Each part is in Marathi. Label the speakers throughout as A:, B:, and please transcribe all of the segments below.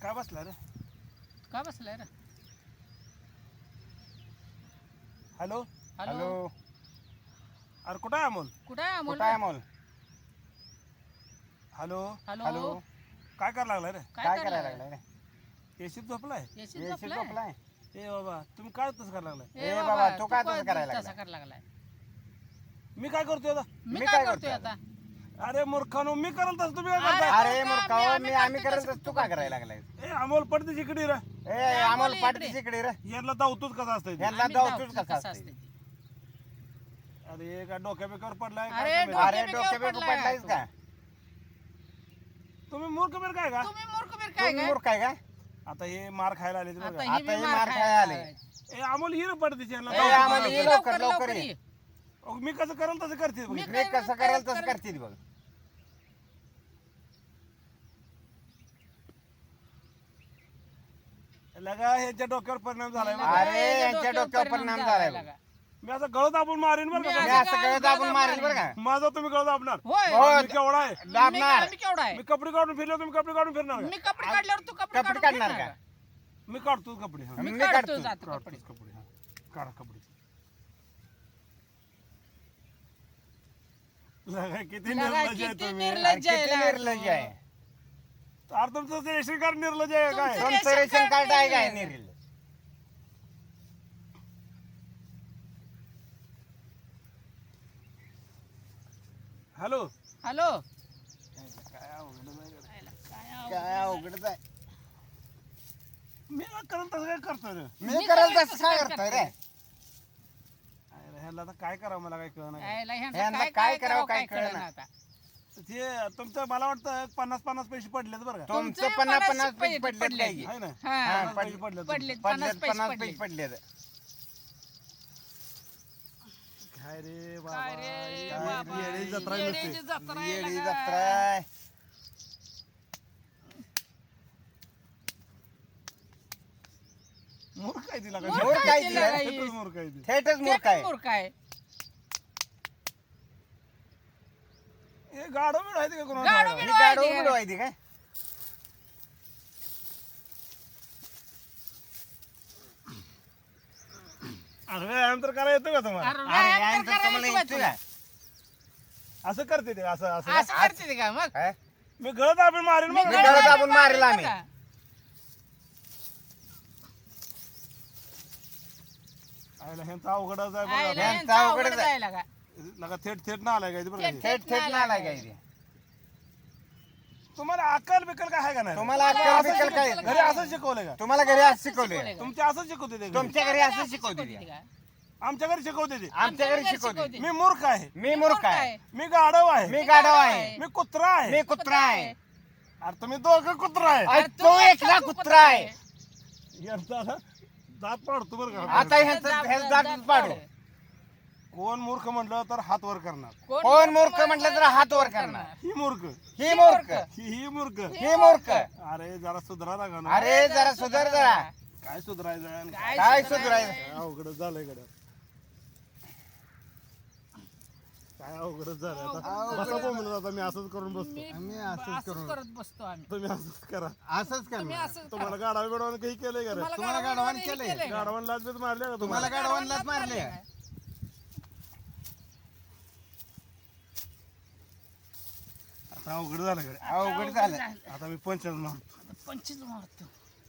A: काय बसला रे?
B: का बसलाय रे?
A: हॅलो
B: हॅलो
A: अरे कुठं आहे अमोल?
B: कुठं आहे अमोल?
C: कुठं आहे अमोल?
A: हॅलो
B: हॅलो
A: काय करायला लागलाय रे?
C: काय करायला लागलाय रे?
A: एसीत झोपलाय?
B: येशील
C: येशील
B: झोपलाय?
C: झोपलाय?
A: ए बाबा तुम्ही काय तसं करायला लागलाय?
C: ए बाबा, तू काय तसं करायला
B: तसं
C: लागलाय?
B: करायला लागलाय?
A: मी काय करतोय आता?
B: मी काय करतोय आता?
A: अरे मूर्खानो मी करल तसं तुम्ही काय
B: अरे,
A: करताय?
C: अरे मूर्खाओ,
B: आम्ही
C: आम्ही
B: करतो
C: करत
B: तसं
C: तू
B: तू
C: काय
B: करतोय.
C: करायला लागलाय?
A: ए अमोल पडते जिकडे रे
C: ए अमोल
B: इकडे.
C: पाठीची इकडे रे.
A: यांना धावतोच कसं असतंय ते?
C: यांना
B: आम्ही
C: धावतोच
B: धावतो
C: कसा
B: कसं
C: असते?
B: असते ते.
A: अरे काय डोक्या बिक्यावर पडलाय
B: अरे,
A: काय
B: डोक्या-
C: अरे
B: बिक्यावर
C: डोक्या बिकू
B: पडलाय
C: पडलायस
B: तू.
C: का?
A: तुम्ही मूर्ख बिर काय का?
B: तुम्ही मूर्ख बीर काय
C: तुम्ही
B: काय?
C: मूर्ख आहे का?
A: आता हे मार खायला आले
B: आता
A: बघा.
B: ही
C: आता
B: बी
C: हे
B: मार
C: मार
B: खायला
C: खायला आले.
B: आलाय.
A: ए अमोल हिर पडते यांना
C: ए,
A: धावतोच
C: अमोल,
A: कसं
C: ये
A: असतंय?
C: लवकर, लवकर ये.
B: ये.
A: अहो, मी कसं करेल तसं करते बघ.
B: मी
C: मी कसं करेल तसं करते बघ.
A: लगा ह्याच्या डोक्यावर परिणाम झालाय बघा.
C: अरे, यांच्या डोक्यावर परिणाम झालाय बघ.
A: मी असं गळत आपण मारीन बरं
B: मी
A: का
C: मी
A: तुम्ही.
C: असं गळत आपण मारेल बरं का?
A: माझा तुम्ही गळत आपणार
B: होय
C: हो.
A: मी केवढा आहे?
C: दाबणार.
B: मी केवढा आहे?
A: मी कपडे काढून फिरलो तुम्ही कपडे काढून फिरणार
B: मी
A: का?
B: कपडे काढल्यावर तू कपडे
C: कपडे
B: काढून
C: काढणार
B: फिरणार
C: का?
B: का?
A: मी काढतो कपडे हा.
B: मी
C: मी
B: काढतो
C: काढतो.
B: जातो कपडे.
A: काढतोच कपडे हा. काढा कपडे लगा, किती
B: लगा,
A: निर्लज्ज आहे
B: किती
A: तुम्ही.
B: निर्लज्ज आहे.
C: किती निर्लज्ज आहे.
A: अरे तुमचं ते रेशन कार्ड निर्लज्ज आहे काय?
B: तुमचं-
C: तुमचं रेशन कार्ड आहे काय निर्लज्ज?
A: हॅलो
B: हॅलो
A: काय अवघड आहे गड्या.
C: काय अवघडच आहे.
A: मी करत तसं काय करतो रे?
C: मी करेल तसं काय करतोय रे?
A: अरे ह्याला आता काय करावं मला काय कळणार
B: यायला ह्यांचं
C: ह्यांना काय करावं काय
B: कळेना
C: कळेना.
B: आता.
A: ते तुमचं मला वाटतं 50-50 पैसे पडलेत बरं का?
C: तुमचं
B: तुमचे
C: 50-50
B: पैसे
C: पैसे पडलेत काय की?
A: आहे ना?
B: हा.
A: 50 पैसे पडलेत
B: पडलेत.
A: तुमचे.
B: 50 पैसे
C: 50
B: पडले.
C: पैसे पडलेत.
A: काय रे बाबा
B: काय रे
A: काय
B: बाबा,
A: येडी जत्रा आहे
B: येडीची
A: नुसती.
B: जत्रा आहे
C: येडी
B: लगा.
C: जत्रा आहे.
A: मूर्ख आहे तिला
B: मूर्ख
C: मूर्ख आहे ती,
B: लगा
C: रे.
B: ही.
A: मूर्ख आहे ती.
C: थेटच
B: ते
C: मूर्ख
B: पण
C: आहे.
B: मूर्ख आहे.
A: हे गाडो बिडो आहे ते का
B: गाडो
A: कोणाला?
B: बिडो.
C: ही गाडो उघडू आहे ती काय?
A: अरे व्यायाम तर करा येतो का तुम्हाला?
B: अरे,
C: अरे
B: व्यायाम
C: यांचं
B: तर करायला
C: तुम्हाला
B: येतो
C: येतं
B: का?
C: का?
A: असं करते ते असं असं
B: असं करते ते का मग?
C: काय?
A: मी गळत आपण मारेन
B: मी
A: मग.
C: गळत
B: गळत
C: दाबून मारेल आम्ही.
B: का?
A: आयला ह्यांचा अवघडच आहे
B: आईला
A: बघा.
B: यांचं
C: यांचं
B: अवघडच
C: अवघडच आहे.
B: आहे लगा.
A: लगा थेट थेट ना आलाय काय ते बरं का?
C: थेट थेट ना आलाय काय ते?
A: तुम्हाला अक्कल बिकल काय आहे का नाही?
C: तुम्हाला अक्कल बिकल काय?
A: घरी असं शिकवलंय का?
C: तुम्हाला घरी असं
B: शिकवलंय
C: शिकवलंय?
B: का?
A: तुमच्या असं शिकवते ते घरी?
C: तुमच्या घरी असं शिकवते
B: शिकवते
C: ते?
B: का?
A: आमच्या घरी शिकवते ते.
C: आमच्या घरी शिकवते.
A: मी मूर्ख आहे.
C: मी मूर्ख आहे.
A: मी गाढव आहे.
C: मी गाढव आहे.
A: मी कुत्रा आहे.
C: मी कुत्रा आहे.
A: अरे तुम्ही दोघं कुत्रा आहे.
C: अरे तो एकला कुत्रा आहे.
A: यांचा ना दात पाडतो बरं का?
C: आता ह्याचं दात पाडू.
A: कोण मूर्ख म्हटलं तर हात वर करणार.
C: कोण मूर्ख म्हटलं तर हात वर करणार.
A: ही मूर्ख
C: ही मूर्ख.
A: ही मूर्ख.
C: ही मूर्ख.
A: अरे जरा सुधरा लागा ना.
C: अरे जरा सुधार जरा.
A: काय सुधरायचं?
C: काय सुधारायचं?
A: काय अवघडच झालंय गड्या. काय अवघडच झालंय आता. बसा बोंबलत आता मी असंच करून बसतो.
B: आम्ही असंच करत बसतो आम्ही.
A: तुम्ही असंच करा.
C: असंच
B: तुम्ही असंच
A: तुम्हाला गाडा बिडवान काही केलंय का रे?
C: तुम्हाला गाढवाने केलंय?
A: गाडवान लाच बीच मारले का
C: तुम्हाला
A: तुम्हाला?
C: गाढवांनाच मारले.
A: आता अवघड झालं गड्या.
C: अवघड झालं.
A: आता मी पंचायत मारतो.
B: 25 मारतो.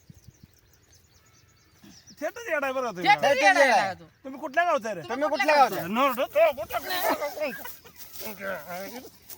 A: थेटच येडाय बरं का
B: ते
A: तुम्ही.
C: थेट
B: येडा
C: येडा.
B: आहे तो.
A: तुम्ही कुठल्या गावचा रे?
C: तुम्ही कुठल्या गावचे?
A: नोरड.